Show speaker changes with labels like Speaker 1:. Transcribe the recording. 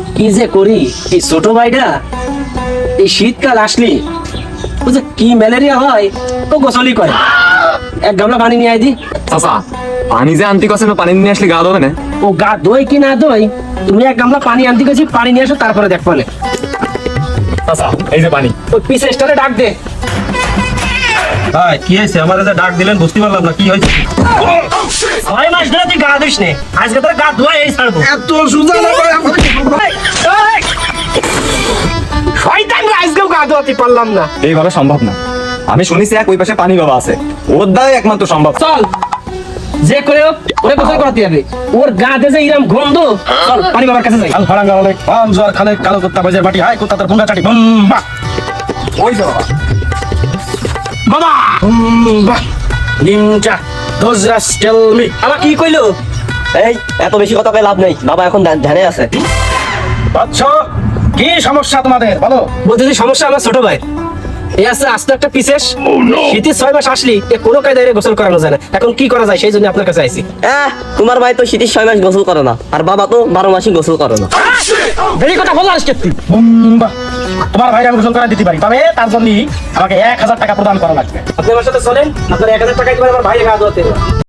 Speaker 1: কি যে করি এই ছোট ভাইটা এই শীতকাল আসলে বুঝে কি ম্যালেরিয়া হয় তো গোসলই করে। এক গামলা পানি নিয়ে আই দি।
Speaker 2: চাচা পানি যে আনতে কছে না, পানি নিয়ে আসলে গা ধোবে না?
Speaker 1: ও গা দই কি না দই, তুমি এক গামলা পানি আনতে গেছি, পানি নিয়ে আসো তারপরে দেখবো না।
Speaker 2: চাচা এই যে পানি।
Speaker 1: ওই পিছে স্টারে ডাক দে।
Speaker 3: ভাই কি হয়েছে? আমার যে ডাক দিলেন বুঝতে পারলাম না কি হয়েছে।
Speaker 1: 6 মাস ধরে তুই গা ধুইস নে, আজকে তোর গা ধোয়া এই ছাড়বো।
Speaker 3: এত সুজা না ভাই,
Speaker 1: শয়তান রে, আজকেও গা ধোয়াতে পারলাম না।
Speaker 2: এইভাবে সম্ভব না। আমি শুনেছি এক ওই পাশে পানি বাবা আছে, ওর দ্বারাই একমাত্র সম্ভব।
Speaker 1: চল যে করে হোক ওরে গোসল করাতে হবে। ওর গাতে যে ইরাম গন্ধ, চল পানি বাবার কাছে যাই।
Speaker 3: কাল ফাড়াঙ্গা হলে পাম জোয়ার খালে কালো কুত্তা বাজে বাটি হাই কুত্তা তার ভুঙ্গা চাটি বুম বাহ।
Speaker 2: ওই যে বাবা।
Speaker 1: বাবা
Speaker 3: বাহ নিনজা দোজ রাস টেল মি।
Speaker 1: আমার কি কইলো?
Speaker 4: এই এত বেশি কথা কয়ে লাভ নেই, বাবা এখন ধ্যানে আছে।
Speaker 3: বাচ্চা কি সমস্যা তোমাদের বলো?
Speaker 1: বলতেছি সমস্যা আমার ছোট ভাই এই আছে আস্তে একটা পিসেস। শীতের 6 মাস আসলি এ কোনো কায়দায় গোসল করানো যায় না। এখন কি করা যায় সেই জন্য আপনার কাছে আইছি।
Speaker 4: তোমার ভাই তো শীতের 6 মাস গোসল করে না, আর বাবা তো 12 মাসই গোসল করে না।
Speaker 1: বেশি কথা বললা আজকে তুই।
Speaker 3: বুম বাহ। তোমার ভাইরা আমি গোসল করা দিতে পারি, তবে তার জন্য আমাকে 1000 টাকা প্রদান করা লাগবে।
Speaker 1: আপনি আমার সাথে চলেন, আপনার 1000 টাকা দিবেন, আমার ভাই গা ধোয়াতে।